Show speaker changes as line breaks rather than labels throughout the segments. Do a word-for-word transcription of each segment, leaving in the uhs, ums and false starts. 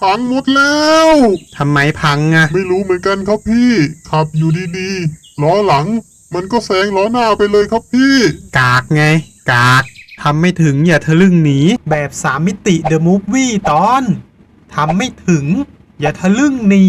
พังหมดแล้ว
ทำไมพังอะ
ไม่รู้เหมือนกันครับพี่ขับอยู่ดีๆล้อหลังมันก็แซงล้อหน้าไปเลยครับพี่
กากไงกากทำไม่ถึงอย่าทะลึ่งหนีแบบสามมิติเดอะมูฟวี่ตอนทำไม่ถึงอย่าทะลึ่งหนี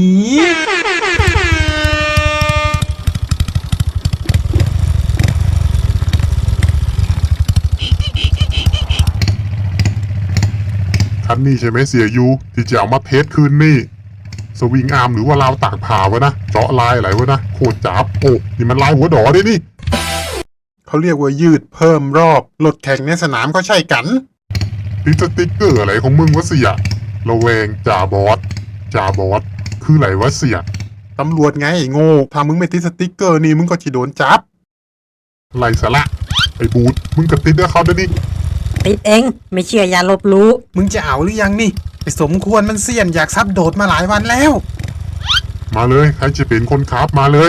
คันนี้ใช่ไหมเสียยูที่จะเอามาเทสคืนนี่สวิงอาร์มหรือว่าลาวตากผ่าวะนะเจาะลายอะไรวะนะโคตรจับโอ้นี่มันลายหัวดอได้นี่
เขาเรียกว่ายืดเพิ่มรอบรถแข่งในสนามก็ใช่กัน
ติดสติ๊กเกอร์อะไรของมึงวะเสียระแวงจ่าบอสจ่าบอสคืออะไรวะเสีย
ตำรวจไงโง่ถ้ามึงไม่ติดสติ๊กเกอร์นี่มึงก็จะโดนจับ
ไรสาระไอ้บูดมึงกับติดด้วยเขาด้วยนี่
ติดเองไม่เชื่ออย่าลบรู้
มึงจะเอาหรือยังนี่ไอ้สมควรมันเสี่ยนอยากซับโดดมาหลายวันแล้ว
มาเลยใครจะเป็นคนขับมาเลย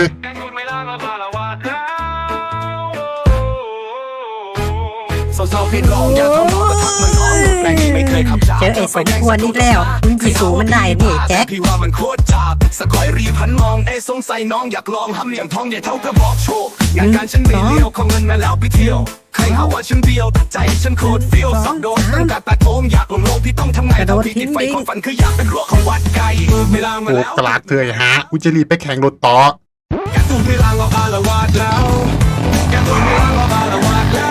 เจอไอ้สมควรนี่แล้วมึงจีสูมันได้นี่แจ็ค
พี่ว่ามันโคตรจับสกอยรีพันมองเอสงสัยน้องอยากลองทำอย่างท้องใหญ่เท่ากับบอกโชว์งานการฉันไม่เลี้ยวขอเงินมาแล้วไปเที่ยวใครหาว่าฉันเดียวแต่ใจฉันโคตรเฟี้ยวสับโดนตั้งแต่ตาโถมอยากลงโลกพี่ต้องทำไงเท่าที่ติดไฟของฝันคืออยากเป็นรั้วของวัดไกลเวลามาแล้ว
โอ้กลากเถยฮะกูจะรีบไปแข่งรถต่อ
แกตูนเวลาเราอาละวาดแล้วแกตูนเวลาเราอาละวาดแล้ว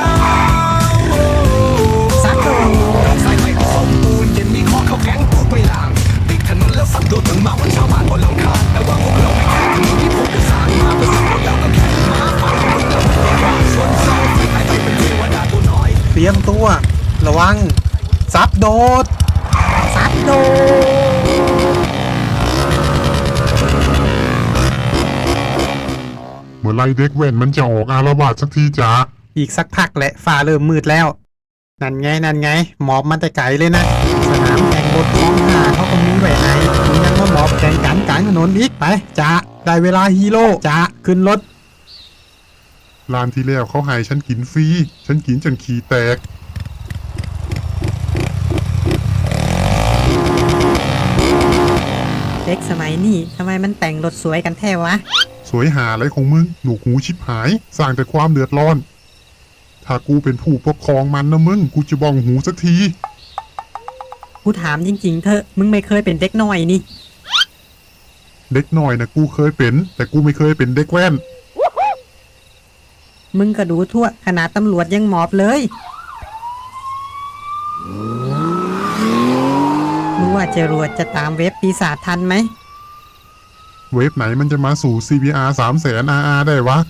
ซับโด
ใส่ไม่สมบูรณ์เย็นมีข้อเข้าแก๊งพูดไปหลังติดถนนแล้วสับโดนถึงมาวันชาวบ้านบนหลังคาแต่ว่าพวกเราไม่แค่ถนนที่พวกจะสร้างมาเพื่อสับโดนแล้วก็แค่มาฟังคนเราไม่ได้ว่าส่วนสองที่ไปเป็นเทวดาตัวน้อย
เตรียมตัวระวังซับโดด
ซับโด
เมื่อไรเด็กแว่นมันจะออกอาละวาดสักทีจ้า
อีกสักพักแหละฟ้าเริ่มมืดแล้วนั่นไงนั่นไงหมอบมันแต่ไกลเลยนะสนามแข่งรถท้องหาเขาก็มีไว้ให้มึงยังมาหมอบแข่งกันกลางถนนอีกไปจ้าได้เวลาฮีโร่จ้าขึ้นรถ
ร้านที่แล้วเขาให้ฉันกินฟรีฉันกินจนขี้แตก
เด็กสมัยนี้ทำไมมันแต่งรถสวยกันแท้วะ
สวยหาอะไรของมึงหนูหูชิบหายสร้างแต่ความเดือดร้อนถ้ากูเป็นผู้ปกครองมันนะมึงกูจะบ้องหูสักที
กูถามจริงๆเถอะมึงไม่เคยเป็นเด็กน้อยนี่
เด็กน้อยนะกูเคยเป็นแต่กูไม่เคยเป็นเด็กแว่น
มึงก็ดูทั่วขนาดตำรวจยังหมอบเลยมึงว่าจรวดจะตามเว็บปีศาจทันไหม
เว็บไหนมันจะมาสู่ ซี พี อาร์ สามแสน อาร์ อาร์ ได้วะ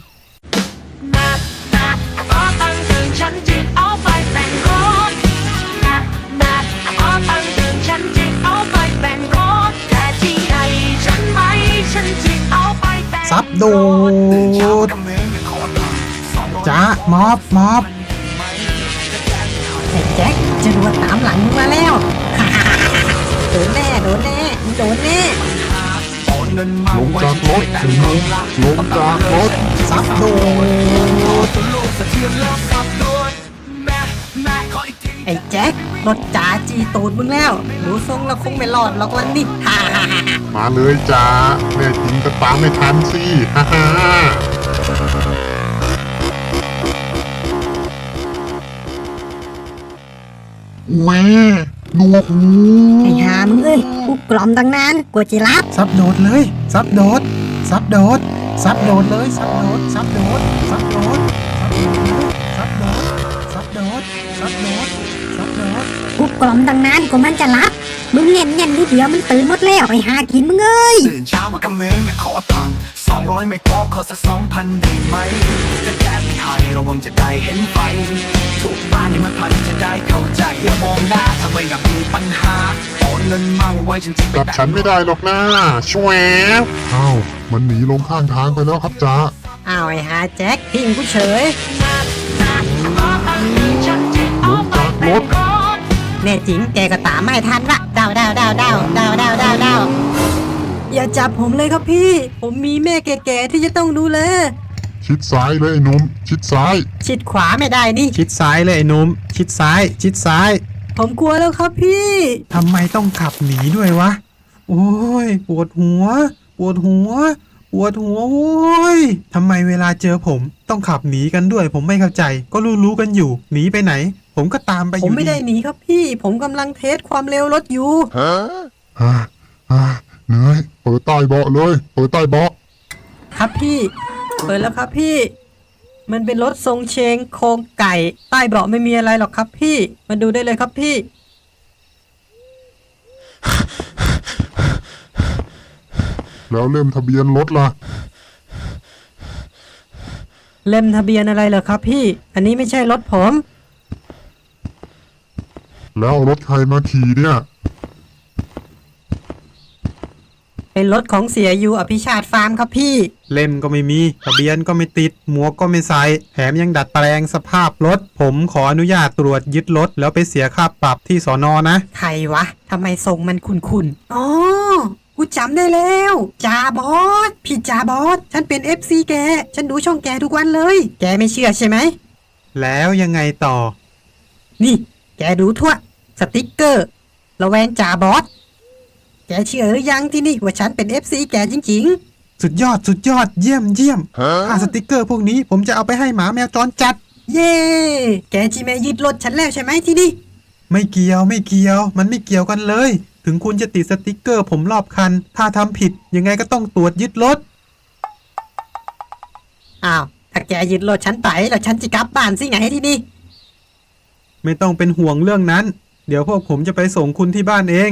ซับโดดจ้ามอบมอบ
ไอ้แจ็คจรวดตามหลังมึงมาแล้วโดนแน่โดนแน่โดนแน่
ลงจากรถถึงลงลงจากรถ
ซับโดด
ไอ้แจ็ครถจ๋าจีตูดมึงแล้วดูทรงแล้วคงไม่รอดหรอกวันนี้ฮ่าฮ่าฮ่า
มาเลยจ้าแม่จริงก็ตามไม่ทันสิฮ่าฮ่าแม่หนวกหู
ไอ้หามึงเอ้ยกูกล่อมตั้งนานกลัวจะรับ
ซับโดดเลยซับโดดซับโดดซับโดดเลยซับโดดซับโดดซับโดดซับโดดซับโดดซับโดดซับโดด
กูกล่อมตั้งนานกว่ามันจะรับมึงเงี้ยเงี้ยนิดเดียวมันตื่นหมดแล้วไอ้หากินมึงเอ้ย
ตื่นเช้ามากำเนิดไม่ขอตังค์สองร้อยไม่พอขอสักสองพันได้ไหมจะแก้ไม่ให้ระวังจะได้เห็นไฟถูกบ้านนี่มันพันจะได้เข้าใจอย่ามองหน้าทำไมกับมีปัญหาโอนเงินมาไว้จริงๆ
กับฉันไม่ได้หรอกนะช่วยอ้าวมันหนีลงข้างทางไปแล้วครับจ้า
อ้าวไอ้หาแจ็คทิ้งกูเฉย
ลงจากรถ
แน่จริงแกก็ตามไม่ทันละดาวดาวดาวดาวดาวดาวดาวดาวอย่าจับผมเลยครับพี่ผมมีแม่แก่ๆที่จะต้องดูแล
ชิดซ้ายเลยไอ้หนุ่มชิดซ้าย
ชิดขวาไม่ได้นี่
ชิดซ้ายเลยไอ้หนุ่มชิดซ้ายชิดซ้าย
ผมกลัวแล้วครับพี่
ทำไมต้องขับหนีด้วยวะโอ้ยปวดหัว ปวดหัว ปวดหัวโอ้ยทำไมเวลาเจอผมต้องขับหนีกันด้วย ผมไม่เข้าใจ ก็รู้ๆกันอยู่ หนีไปไหน ผมก็ตามไปอ
ผม
ยู่
ไม่ได้หนีครับพี่ ผมกำลังเทสความเร็วรถอยู่
ฮ่าฮ่าเหนื่อยเปิดใต้เบาะเลย เปิดใต้เบาะ
ครับพี่ เปิดแล้วครับพี่ มันเป็นรถทรงเชงโครงไก่ ใต้เบาะไม่มีอะไรหรอกครับพี่ มาดูได้เลยครับพี่
แล้วเล่มทะเบียนรถล่ะ
เล่มทะเบียนอะไรเหรอครับพี่ อันนี้ไม่ใช่รถผม
แล้วเอารถใครมาขี่เนี่ย
เป็นรถของเสียยูอภิชาติฟาร์มครับพี่
เล่มก็ไม่มีทะเบียนก็ไม่ติดหมวกก็ไม่ใส่แถมยังดัดแปลงสภาพรถ ผมขออนุญาตตรวจยึดรถแล้วไปเสียค่าปรับที่สอนอนะ
ใครวะ ทำไมทรงมันคุ้นๆ อ๋อ กูจำได้แล้วจ่าบอส พี่จ่าบอส ฉันเป็น เอฟ ซี แก ฉันดูช่องแกทุกวันเลย แกไม่เชื่อใช่ไหม
แล้วยังไงต่อ
นี่ แกดูทั่ว สติกเกอร์ ระแวงจ่าบอส แกเชื่อหรือยังที่นี่ว่าฉันเป็น เอฟ ซี แกจริง
สุดยอดสุดยอดเยี่ยมเยี่ยมค่าสติกเกอร์พวกนี้ผมจะเอาไปให้หมาแมวจรจัด
ๆ เย่ แกจีแม่ยึดรถฉันแล้วใช่ไหมที่นี่
ไม่เกี่ยวไม่เกี่ยว มันไม่เกี่ยวกันเลย ถึงคุณจะติดสติกเกอร์ผมรอบคัน ถ้าทำผิดยังไงก็ต้องตรวจยึดรถ
อ้าว ถ้าแกยึดรถฉันไปแล้วฉันจะกลับบ้านสิไงที่นี่
ไม่ต้องเป็นห่วงเรื่องนั้น เดี๋ยวพวกผมจะไปส่งคุณที่บ้านเอง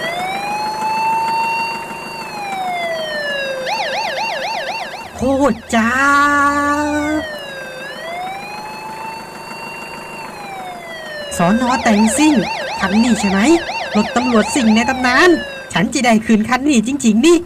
โคตรจ้าสอนอแต่งซิ่ง คันนี้ใช่ไหม รถตำรวจสิ่งในตำนาน ฉันจะได้คืนคันนี้จริงๆนี่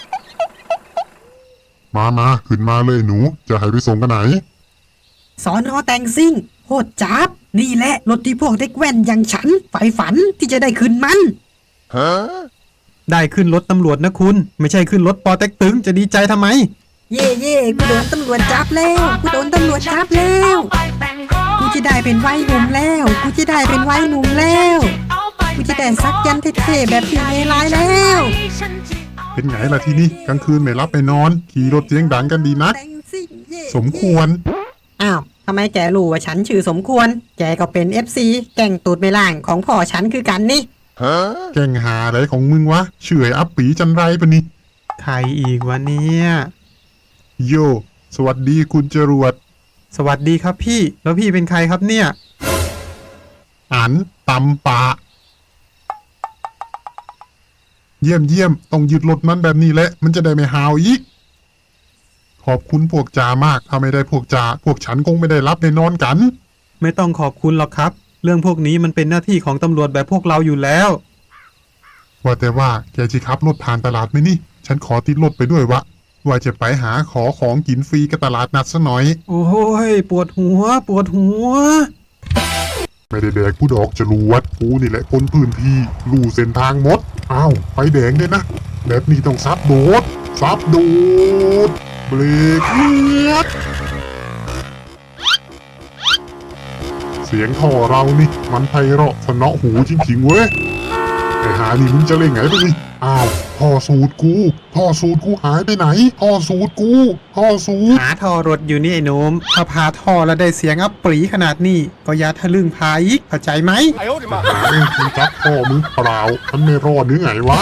มามาขึ้นมาเลยหนู จะให้ไปส่งกันไหน
สอนอแต่งซิ่งโคตรจับ นี่แหละรถที่พวกเด็กแว่นอย่างฉันใฝ่ฝันที่จะได้คืนมัน
ได้ขึ้นรถตำรวจนะคุณ ไม่ใช่ขึ้นรถปอเต็กตึงจะดีใจทำไม
เย่เย่กูโดนตำรวจจับแล้วกูโดนตำรวจจับแล้วกูจะได้เป็นวัยหนุ่มแล้วกูจะได้เป็นวัยหนุ่มแล้วกูจะได้ซักยันเท่ๆแบบพี่เมลายแล้ว
เป็นไงล่ะที่นี่กลางคืนไม่รับไปนอน ขี่รถเสียงดังกันดีนัก
แต่งซิ่งเย่
สมควร
อ้าวทำไมแกรู้ว่าฉันชื่อสมควร แกก็เป็น เอฟ ซี แก่งตูดไม่ล่างของพ่อฉันคือกันนี่
แกล้งหาอะไรของมึงวะเฉอยอัปปีจันไรปะนี่
ใครอีกวะเนี่ย
โย สวัสดีคุณจรวด
สวัสดีครับพี่ แล้วพี่เป็นใครครับเนี่ย
อันตำปะ เยี่ยมเยี่ยมต้องยึดรถมันแบบนี้แหละ มันจะได้ไม่หาวอีก ขอบคุณพวกจ่ามาก ถ้าไม่ได้พวกจ่าพวกฉันคงไม่ได้รับได้นอนกัน
ไม่ต้องขอบคุณหรอกครับ เรื่องพวกนี้มันเป็นหน้าที่ของตำรวจแบบพวกเราอยู่แล้ว
ว่าแต่ว่าแกจะขับรถผ่านตลาดไหมนี่ ฉันขอติดรถไปด้วยวะ ว่าจะไปหาขอของกินฟรีกับตลาดนัดซะหน่อย
โอ้ยปวดหัว ปวดหัว
ไม่ได้แดกผู้ดอกจรวดกูนี่แหละคนพื้นที่รู้เส้นทางหมด อ้าว ไฟแดงด้วยนะ แบบนี้ต้องซับโดด ซับโดด เบรกเลียดเสียงท่อเรานี่ มันไพเราะสนอหูจริงๆเว้ย ไอ้หานี่มึงจะเล่นไงไปนี่อ้าวท่อสูตรกู ท่อสูตรกูหายไปไหน ท่อสูตรกู ท่อสูตร
หาท่อรถอยู่นี่ไอ้หนมถ้าพาท่อแล้วได้เสียงอัปปรีขนาดนี้ ก็อย่าทะลึ่งพาอีกเข้าใจไหม
หาเองมึงจับท่อมึงเปล่ามันไม่รอดหรือไงวะ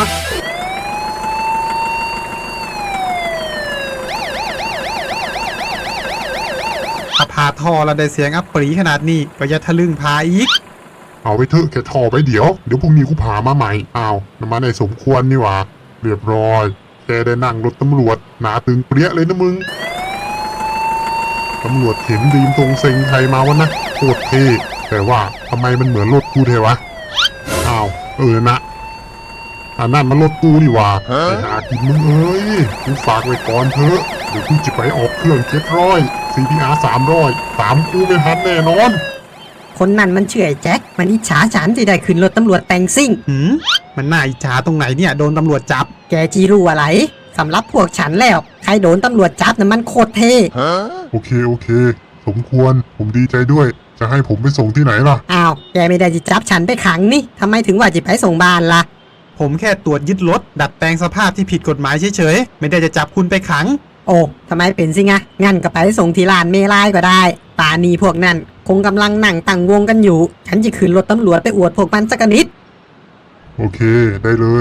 ถ้าพาท่อแล้วได้เสียงอัปปรีขนาดนี้ ก็อย่าทะลึ่งพาอีก
เอาไปเถอะแค่ท่อไปเดี๋ยว เดี๋ยวพรุ่งนี้กูพามาใหม่ อ้าวน้ำมันไอ้สมควรนี่หว่า เรียบร้อย แกได้นั่งรถตำรวจ หนาตึงเปรี้ยเลยนะมึง ตำรวจเห็นดีมตรงเซ็งใครมาวะนะโคตรเท่แต่ว่าทำไมมันเหมือนรถกูเทวะ อ้าว เออนะอันนั้นมันรถกูนี่หว่าไปหากินมึงเอ้ยกูฝากไว้ก่อนเถอะ เดี๋ยวกูจะไปออกเครื่องเจ็ดร้อย ซี พี อาร์ สามร้อย ตามกูไม่ทันแน่นอน
คนนั้นมันเชื่อไอ้แจ็ค มันอิจฉาฉันที่ได้ขึ้นรถตำรวจแต่งซิ่ง
หืม มันน่าอิจฉาตรงไหนเนี่ยโดนตำรวจจับ
แกจีรู้อะไรสำหรับพวกฉันแล้ว ใครโดนตำรวจจับน่ะมันโคตรเท่
โอเค โอเค สมควร ผมดีใจด้วย จะให้ผมไปส่งที่ไหนล่ะ
อ้าว แกไม่ได้จะจับฉันไปขังนี่ทำไมถึงว่าจะไปส่งบ้านล่ะ
ผผมแค่ตรวจยึดรถดัดแปลงสภาพที่ผิดกฎหมายเฉยๆไม่ได้จะจับคุณไปขัง
โอ้ทำไมเป็นสิงะงั้นก็ไปส่งที่ลานเมลายก็ได้ป่านีพวกนั้นคงกำลังนั่งตั้งวงกันอยู่ ฉันจะขึ้นรถตำรวจไปอวดพวกมันสักนิด
โอเค ได้เลย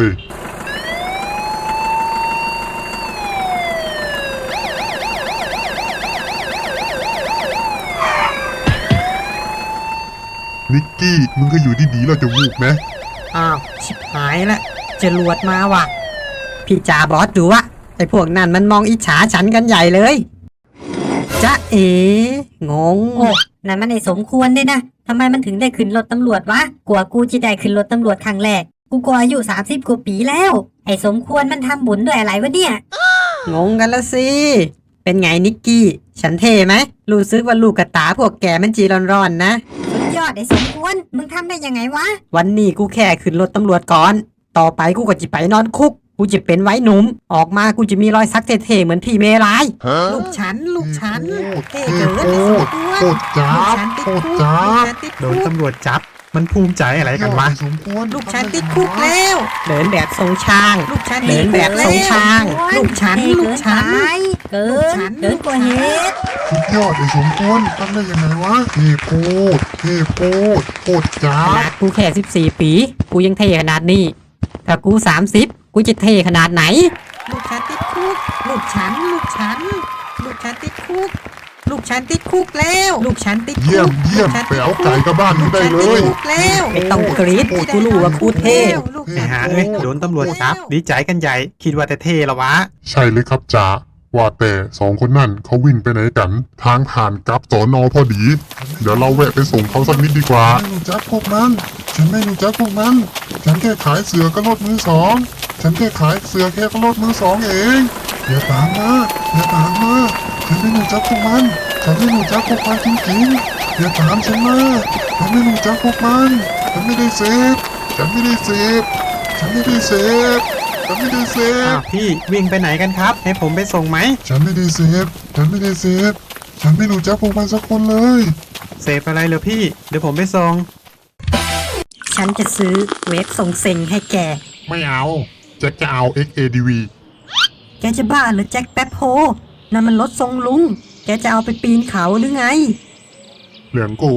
นิกกี้ มึงก็อยู่ดีๆเราจะวูบไหม
อ้าวชิบหายละจรวดมาว่ะ พี่จ่าบอสดูวะไอ้พวกนั้นมันมองอิจฉาฉันกันใหญ่เลยจ๊ะเอ๋งง
โอ้นั่นมันไอ้สมควรด้วยนะทำไมมันถึงได้ขึ้นรถตำรวจวะกลัวกูจะได้ขึ้นรถตำรวจครั้งแรก กูก็อายุสามสิบกว่าปีแล้ว ไอ้สมควรมันทำบุญด้วยอะไรวะเนี่ย
งงกันละสิ เป็นไงนิกกี้ ฉันเท่ไหม รู้สึกว่าลูกกระตาพวกแกมันจีร้อนๆนะ
สุดยอดไอ้สมควร มึงทำได้ยังไงวะ
วันนี้กูแค่ขึ้นรถตำรวจก่อน ต่อไปกูก็จะไปนอนคุก กูจะเป็นไว้หนุ่ม ออกมากูจะมีรอยสักเท่ๆเหมือนพี่เมลาย ลูกฉัน ลูกฉันเท่เกินไอ้สมควร
โคตรจ้า
ลูก
บ
ฉันติด
โค
คุ
ต
ก
รจ้า
ลูก
บ
ฉันติด
โด
คุ
น
ก
ตำรวจจับ มันภูมิใจอะไรกันวะ
สมควร
ลูกฉันติดคุกแล้ว เดินแบบทรงช้าง ลูกฉันเดินแบบทรงช้าง ลูกฉัน ลูกฉัน
เกิ
ลูก
น
ฉัน
เกินกว่าเหตุ
สุดยอดไอ้สมควรทำได้ยังไงวะเท่โคตรเท่โคตรโคตรจ้า
ข
บ
นาดกูแค่สิบสี่ปี กูยังเท่ขนาดนี้ ถ้ากูสามสิบกูจะเท่ขนาดไหน ลูกฉันติดคุก ลูกฉัน ลูกฉัน ลูกฉันติดคุก ลูกฉันติดคุกแล้ว ลูกฉันติดคุก
เยี่ยมเยี่ยม
ลูฉัน
ไป
ติด
เอา
คุ
ไก่กลับบ้านมึงได้เลย
ลูกฉันติดคุกแล้วไม่ต้องกรี๊ดกูรู้ว่ากูเท่ ลูก
ไอ้
ฉัน
หาเอ้ยโดนตำรวจจับ ดีใจกันใหญ่ คิดว่าแต่เท่ละวะ
ใช่เลยครับจ๋าว่าแต่สองคนนั่นเขาวิ่งไปไหนกัน ทางผ่านกลับสอนอพอดี เดี๋ยวเราแวะไปส่งเขาสักนิดดีกว่าไม่รู้จักพวกมัน ฉันไม่รู้จักพวกมัน ฉันแค่ขายเสือกับรถมือสอง ฉันแค่ขายเสือแค่กับรถมือสองเอง อย่าตามมา อย่าตามมา ฉันไม่รู้จักพวกมัน ฉันไม่รู้จักพวกมันจริงๆ อย่าตามฉันมา ฉันไม่รู้จักพวกมัน ฉันไม่ได้เสพฉันไม่ได้เสพฉันไม่ได้เสพฉันไม่ได้เส
อ้า
พ
วพี่วิ่งไปไหนกันครับ ให้ผมไปส่งไหม
ฉันไม่ได้เสพฉันไม่ได้เสพฉันไม่รู้จักพวกมันสักคนเลย
เสพอะไรเหรอพี่ เดี๋ยวผมไปส่ง
ฉันจะซื้อเวฟส่งเซ็งให้แก
ไม่เอาแจ็คจะเอา เอ็กซ์ เอ ดี วี
แกจะบ้าเหรือแจ็คแป๊บโฮนั่นมันรถทรงลุง แกจะเอาไปปีนเขาหรือไง
เหลืองกู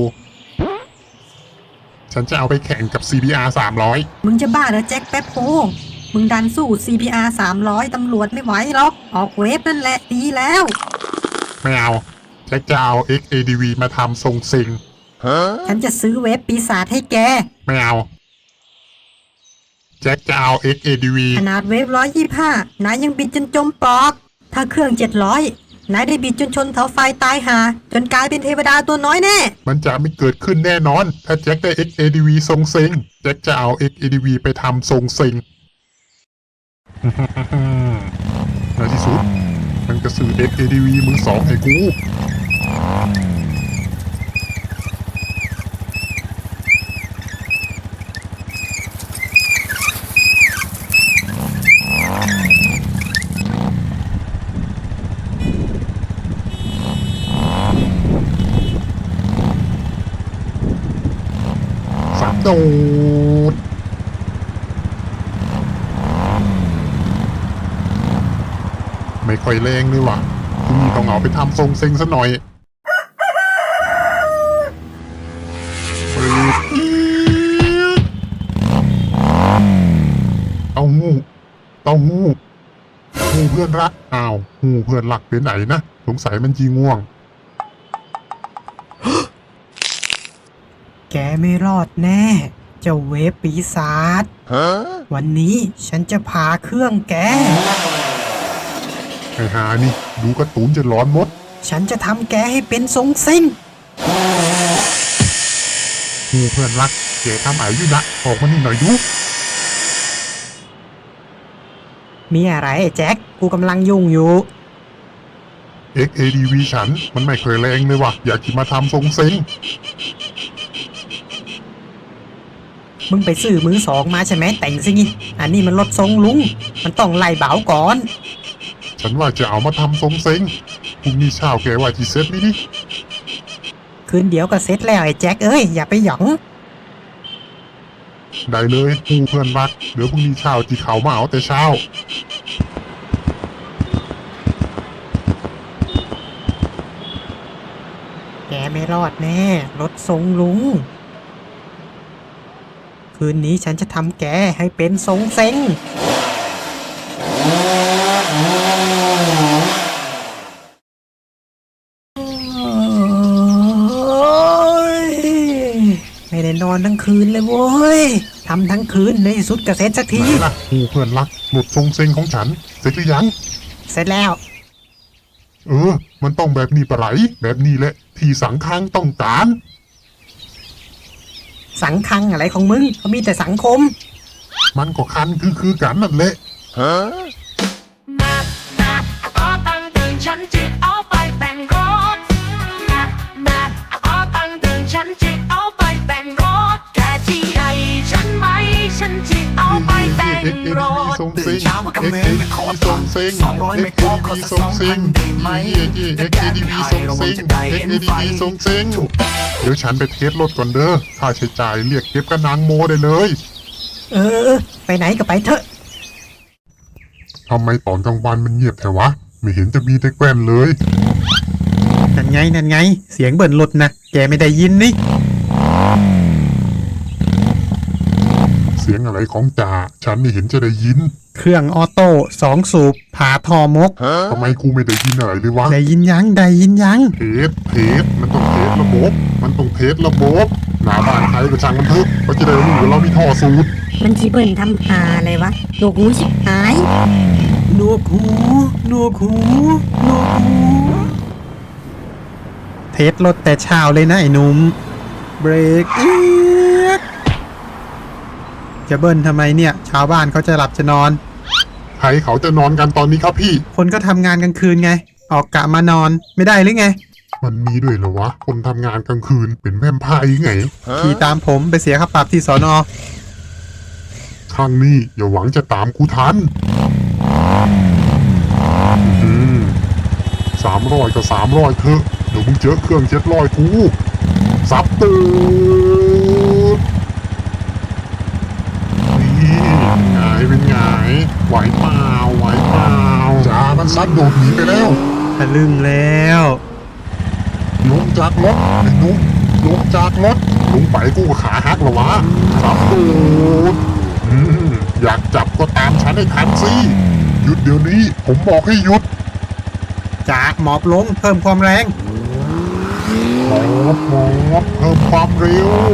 ฉันจะเอาไปแข่งกับ ซี บี อาร์ สามร้อย
มึงจะบ้าเหรอแจ็คแป๊บโฮมึงดันสู้ ซี พี อาร์ สามร้อย ตำรวจไม่ไหวหรอก ออกเวฟนั่นแหละดีแล้ว
ไม่เอาแจ็คจะเอา เอ็กซ์ เอ ดี วี มาทำทรงซิง
ฉันจะซื้อเวฟปีศาจให้แก
ไม่เอาแจ็คจะเอา เอ็กซ์ เอ ดี วี
ขนาดเวฟร้อยยี่ห้านายยังบิดจนจมปลอก ถ้าเครื่องเจ็ดร้อยนายได้บิดจนชนเสาไฟตายหา จนกลายเป็นเทวดาตัวน้อยแน่
มันจะไม่เกิดขึ้นแน่นอน ถ้าแจ็คได้ เอ็กซ์ เอ ดี วี ทรงซิงแจ็คจะเอา เอ็กซ์ เอ ดี วี ไปทำทรงซิง ในที่สุดมันก็ซื้อ เอ็กซ์ เอ ดี วี มือสองให้กู สับโดด ไม่ค่อยแรงเลยว่ะคุณนี่ต้องเอาไปทำทรงเซ็งซะหน่อยปืดเต้าหู้เต้าหู้หูเพื่อนรัก อ้าวหูเพื่อนรักเป็นไหนนะ สงสัยมันจีง่วง
แกไม่รอดแน่ เจ้าเวฟปีศาจวันนี้ฉันจะพาเครื่องแก
ไอ้หานี่ ดูการ์ตูนจะร้อนมด
ฉันจะทำแกให้เป็นทรงซิ่ง
หูเพื่อนรักเก๋ทำไอ้อยู่นะออกมานี่หน่อยดู
มีอะไรไอ้แจ็ค กูกำลังยุ่งอยู่
เอ็กซ์ เอ ดี วี ฉัน มันไม่เคยแรงเลยว่ะ อยากจะมาทำทรงเซ็ง
มึงไปซื้อมือสองมาใช่ไหมแต่งซิงี้อันนี้มันรถทรงลุง มันต้องไล่เบาก่อน
ฉันว่าจะเอามาทำทรงเซ็งพรุ่งนี้เช้าแกว่าจีเซ็ตนี่ดิ
คืนเดียวก็เสร็จแล้วไอ้แจ็คเอ้ย อย่าไปหยอง
ได้เลยกูเพื่อนรักเดี๋ยวพรุ่งนี้เช้าจีเขามาเอาแต่เช้า
แกไม่รอดแน่รถทรงลุง คืนนี้ฉันจะทำแกให้เป็นทรงเซ็ง ไม่ได้นอนทั้งคืนเลยโว้ยทำทั้งคืนในที่สุดก็เสร็จสักที
ไหนล่ะกูเพื่อนรักหลุดทรงเซ็งของฉันเสร็จหรือยัง
เสร็จแล้ว
เออ มันต้องแบบนี้ปะไหลแบบนี้แหละที่สังคังต้องการ
สังคังอะไรของมึงเขามีแต่สังคม
มันก็คันคือคือกันนั่นแหละ
นับนับขอตังค์ตื่นฉันจิเอาไปแต่งรถนับนับขอตังค์ตื่นฉันจิเอาไปแต่งรถแค่ที่ให้ฉันไหมฉันจิเอาไปแต่ง
เอ็กเอ็น
ร
ดี
ถ
ทรง
ตื่
เซ็
น
ง
เช้ามากับ
เอ็ก
เม
เอ็
ย์
น
ไป
ดี
ขอ
ทร
ตั
ง
งค์
เซ็ง
สองร้อย
เอ็
ไม่
ก
พ
เอ็
อน ก็
ดี
สัก
ทรง
สอง
เซ็
พั
ง
นได้ไหม
เอ็กเอ็นดีทรงเซ็งเอ็กเอ็นดีทรงเซ็งเดี๋ยวฉันไปเทสรถก่อนเด้อค่าใช้จ่ายเรียกเก็บกับนางโมได้เลย
เออ ไปไหนก็ไปเถอะ
ทำไมตอนกลางวันมันเงียบแถวะ ไม่เห็นจะมีแต่แกล้นเลย
นั่นไงนั่นไง เสียงเบิ่นรถนะแกไม่ได้ยินนี่
เสียงอะไรของจ่าฉันไม่เห็นจะได้ยิน
เครื่องออโต้สองสูบผ่าทอมก
ทำไมกูไม่ได้ยินอะไรเลยวะ
ได้ยินยังได้ยินยัง
เทสเทสมันต้องเทสระบบ มันต้องเทสระบบหน้าบ้านใครก็ช่างมันเถอะเขาจะได้รู้ว่าเรามีท่อสูตร
มันจีเบิ่นทำหาอะไรวะโลกูชิบหาย
หนวกหูหนวกหูหนวกหู เทสรถแต่เช้าเลยนะไอ้หนุ่ม เบรกเอียดจะเบิ้ลทำไมเนี่ย ชาวบ้านเขาจะหลับจะนอน
ใครเขาจะนอนกันตอนนี้ครับพี่
คนก็ทำงานกลางคืนไง ออกกะมานอนไม่ได้หรือไง
มันมีด้วยเหรอวะ คนทำงานกลางคืนเป็นแวมไพร์ไง
ขี่ตามผมไปเสียค่าปรับที่สอนอ
ครั้งนี้อย่าหวังจะตามกูทันสามร้อยก็สามร้อยเถอะเดี๋ยวมึงเจอเครื่องเจ็ดร้อยกูซับตูดนี่ไงเป็นไงไหวเปล่าไหวเปล่าจ้ามันซัดโดดหนีไปแล้ว
ทะลึ่งแล้ว
ลงจากรถไอ้หนุ่มลงจากรถลงไปกูก็ขาหักแล้ววะซับตูดอืมอยากจับก็ตามฉันให้ทันสิหยุดเดี๋ยวนี้ผมบอกให้หยุด
จากหมอบลงเพิ่มความแรง
หมอบหมอบเพิ่มความเร็ว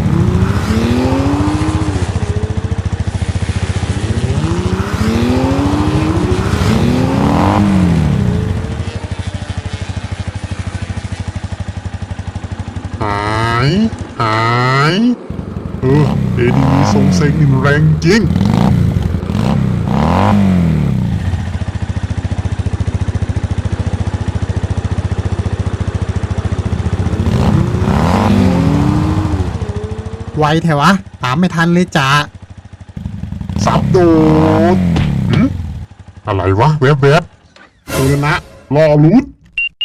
หายหายเออเอดีวีทรงเซ็งนี่มันแรงจริง
ไวแถวะ ตามไม่ทันเลยจ้า
สับโดดหึอะไรวะแวบแวบเออนะรอรุด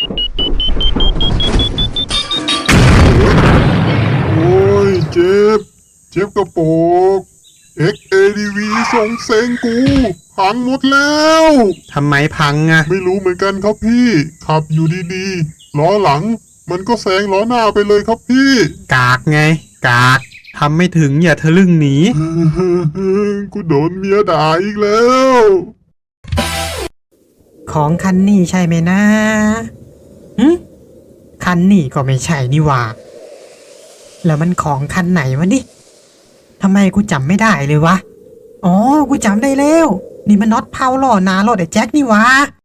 โอ้ยเจ็บ เจ็บกระโปก เอ็ก เอ ดี วี ส่งเซ็งกูพังหมดแล้ว
ทำไมพังอะ
ไม่รู้เหมือนกันครับพี่ ขับอยู่ดีๆ ล้อหลัง มันก็แซงล้อหน้าไปเลยครับพี่
กากไง กากทำไม่ถึงอย่าทะลึ่งหนี
กูโดนเมียด่าอีกแล้ว
ของคันนี้ใช่ไหมนะหึคันนี้ก็ไม่ใช่นี่หว่า แล้วมันของคันไหนวะนี่ทำไมกูจำไม่ได้เลยวะ อ๋อ กูจำได้แล้ว นี่มันน็อตเพาหล่อหนารถไอ้แจ็คนี่หวะ